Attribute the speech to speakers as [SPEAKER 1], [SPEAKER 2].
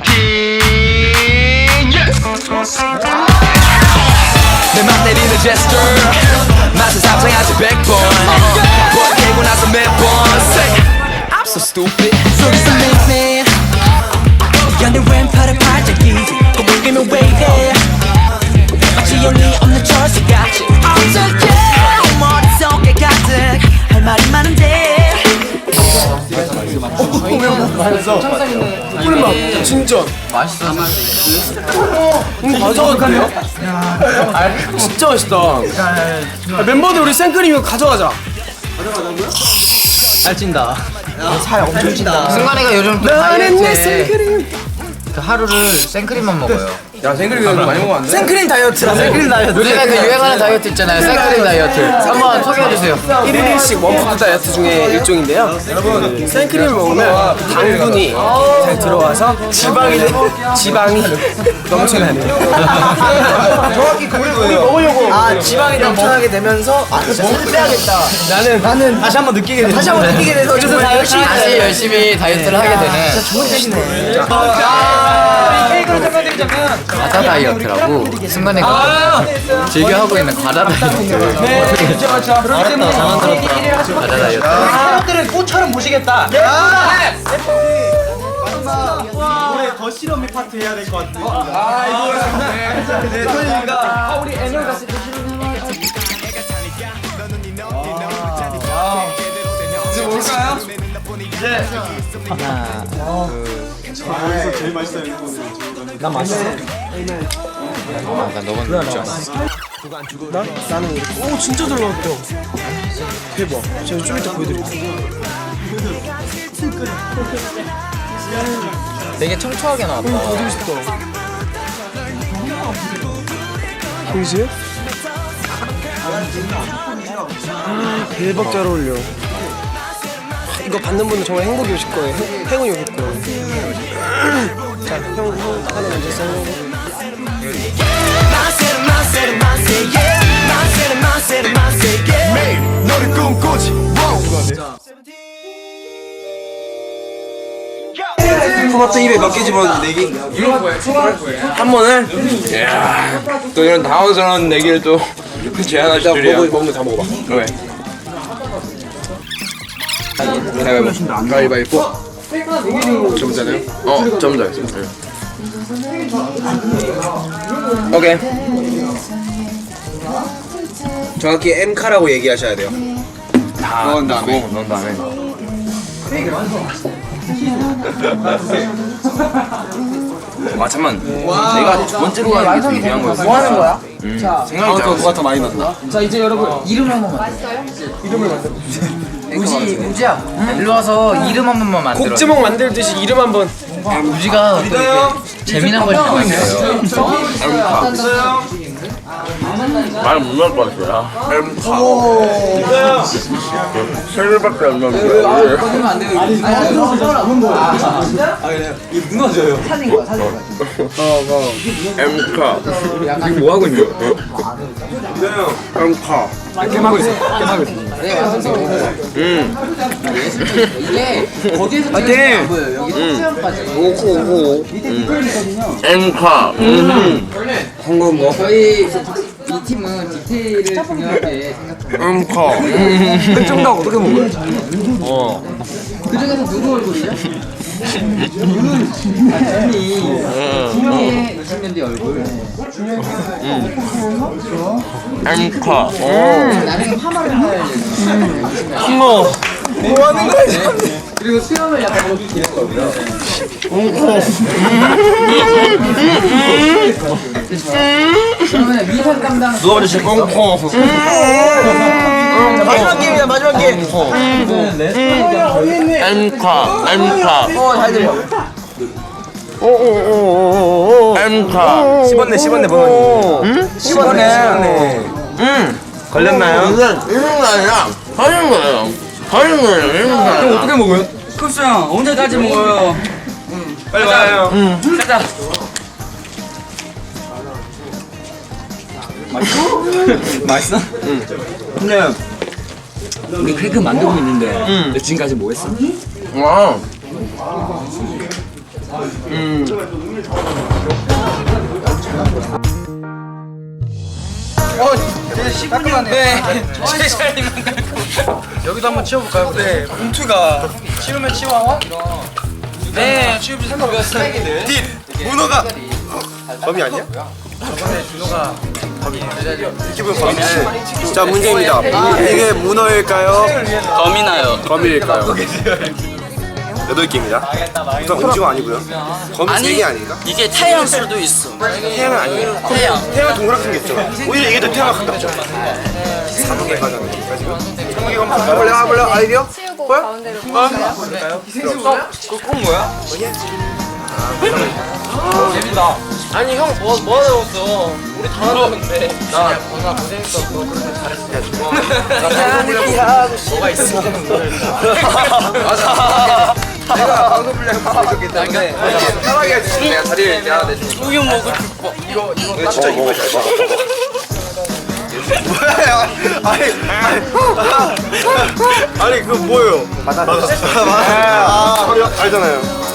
[SPEAKER 1] 내 맘 내리는 제스처 맛은 상상하지 100번 뭘 깨고 나서 매번 Say I'm so stupid
[SPEAKER 2] 속에서 매매 연애 왼팔을 발작이지 꼬물기면 왜 이래 마치 영이 없는 철수같이 어떡해 머릿속에 가득 할 말이 많은데
[SPEAKER 3] 꿀맛 진짜
[SPEAKER 4] 맛있어.
[SPEAKER 3] 가져가도 진짜 맛있다. 멤버들 우리 생크림 이거 가져가자.
[SPEAKER 4] 살찐다.
[SPEAKER 3] 살 엄청 찐다.
[SPEAKER 4] 승관이가 요즘 또
[SPEAKER 3] 나는 내
[SPEAKER 4] 다이어트에
[SPEAKER 3] 생크림.
[SPEAKER 4] 그 하루를 생크림만 먹어요.
[SPEAKER 3] 야 생크림 이거 많이 먹으면 안 돼? 생크림 다이어트라. 생크림 다이어트.
[SPEAKER 4] 요즘에 그 유행하는 다이어트 있잖아요. 생크림 다이어트. 한번 소개해주세요.
[SPEAKER 3] 1일씩 원푸드 다이어트 중에 일종인데요. 여러분 생크림을 먹으면 당분이 잘 들어와서 지방이 넘쳐나야 돼요. 정확히 그게 뭐예요? 먹으려고 지방이 넘쳐나게 되면서 먹을 빼야겠다. 나는 다시 한번 느끼게 돼서 그래서 다 열심히
[SPEAKER 4] 다시 열심히 다이어트를 하게 되는
[SPEAKER 3] 좋은 뜻이네.
[SPEAKER 4] 과자 다이어트라고 승관이가 즐겨하고 있는 과자 다이어트. 과자 다이어트.
[SPEAKER 3] 사람들은 꽃처럼 보시겠다. 올해 더 실험이 파트 해야 될 것 같아. 네, 토니가 우리 애널 갔을 때 이제 뭘까요? 난 맛있어.
[SPEAKER 4] 난 너무 좋지 않아.
[SPEAKER 3] 나는 오 진짜 잘 나왔다. 대박. 제가 좀 이따 보여드릴게요.
[SPEAKER 4] 되게 청초하게 나왔다.
[SPEAKER 3] 어디 있어? 보이세요? 대박 잘 어울려. 이거 받는 분은 정말 행복이 오실 거예요. 행운이 오실 거예요. 자, 형 하나 먼저 써요.
[SPEAKER 1] 너를 꿈꾸지
[SPEAKER 3] 토마토 입에 몇 개 집어넣는데 내기? 한 번을?
[SPEAKER 5] 이야, 또 이런 당황스러운 얘기를 또 제안하실 줄이야.
[SPEAKER 3] 먹는 다 먹어봐.
[SPEAKER 5] 왜? 가위바위보. 점잖아요? 점자였어.
[SPEAKER 3] 오케이. 정확히 M카라고 얘기하셔야 돼요.
[SPEAKER 5] 넣은 다음에. 넣은 다음에. 아 잠만. 내가 두 번째로 가는 게 되게 중요한 거였어.
[SPEAKER 4] 뭐 하는 거야?
[SPEAKER 5] 생각이 잘
[SPEAKER 3] 누가 더 많이 넣나?
[SPEAKER 4] 자 이제 여러분 이름 한 번만. 맛있어요? 이름을 만들어. 우지야 일로 와서 이름 한 번만 만들어.
[SPEAKER 3] 곡지목 만들듯이 이름 한번.
[SPEAKER 4] 우지가 또 이렇게 재미난 걸 좋아해요.
[SPEAKER 5] 말 못 나올 것 같아. 세 개밖에 안 나오는데.
[SPEAKER 4] 꺼내면 안 돼요.
[SPEAKER 5] 엠카. 지금 뭐 하고 있는 거야? 엠카.
[SPEAKER 3] 게임하고 있어. 게임하고 있어.
[SPEAKER 4] 이게 거기에서
[SPEAKER 3] 파이팅!
[SPEAKER 4] 찍으면 안 보여요. 여기 수영까지.
[SPEAKER 5] 오호. 엠카.
[SPEAKER 3] 한건 뭐?
[SPEAKER 4] 저희 이 팀은 디테일을 중요하게 생각합니다.
[SPEAKER 5] 엠카.
[SPEAKER 3] 찜닭 어떻게 먹어요?
[SPEAKER 4] 그 중에서 누구 얼굴이죠? 준이 20년 뒤 얼굴.
[SPEAKER 5] 엠카.
[SPEAKER 4] 나중에 파마를 할 예정.
[SPEAKER 3] 뭐 하는 거야 지금?
[SPEAKER 4] 그리고 수염을 약간 이렇게 기를 거고요. 그러면 미선 담당
[SPEAKER 5] 누가 먼저 제일 꽁꽁.
[SPEAKER 3] 마지막 게임이다 마지막 게임.
[SPEAKER 5] 엠카. 엠카.
[SPEAKER 3] 잘 들려.
[SPEAKER 5] 엠카.
[SPEAKER 3] 씹었네 번호님. 씹었네. 걸렸나요?
[SPEAKER 5] 이런 거 아니라 하는 거예요. 하는 거예요. 이런 거 아니라.
[SPEAKER 3] 어떻게 먹어요?
[SPEAKER 6] 급수 형 언제까지 먹어요?
[SPEAKER 3] 빨리 와요.
[SPEAKER 6] 가자. 맛있어?
[SPEAKER 3] 근데
[SPEAKER 6] 우리 케이크 만들고 있는데 너 지금까지 뭐 했어?
[SPEAKER 5] 와.
[SPEAKER 4] 네. 여기도 한번 치워볼까요? 네.
[SPEAKER 3] 봉투가
[SPEAKER 4] 치우면 치워. 네. 치우면 생각했어요.
[SPEAKER 3] 문어가 범이 아니야? 기분 범인데. 자 문제입니다. 이게 문어일까요?
[SPEAKER 6] 범이나요.
[SPEAKER 3] 거미일까요? 8개입니다. 우선 오징어 아니고요. 거미 3개 아닌가?
[SPEAKER 6] 이게 태양 수도 있어.
[SPEAKER 3] 태양은 아니에요. 태양은 동그랗게 생겼죠. 오히려 이게 더 태양 가깝죠. 3개 가잖아요. 지금 3개 한번 해볼래? 아이디어?
[SPEAKER 7] 치우고 가운데로 볼까요?
[SPEAKER 5] 그건 뭐야?
[SPEAKER 4] 재밌다. 아니 형 뭐 나왔어? 우리 다 나왔는데. 나 고생했어. 너 그렇게 잘했어. 뭐가 있어?
[SPEAKER 5] 맞아. 내가 방송 분량이 부족했기 때문에 편하게 해주시면 내가 자리를 내가 내주고.
[SPEAKER 6] 우유 먹을 줄
[SPEAKER 5] 이거 진짜 이거 잘 봐.
[SPEAKER 3] 뭐야? 아니 그거 뭐예요? 맞아. 알잖아요.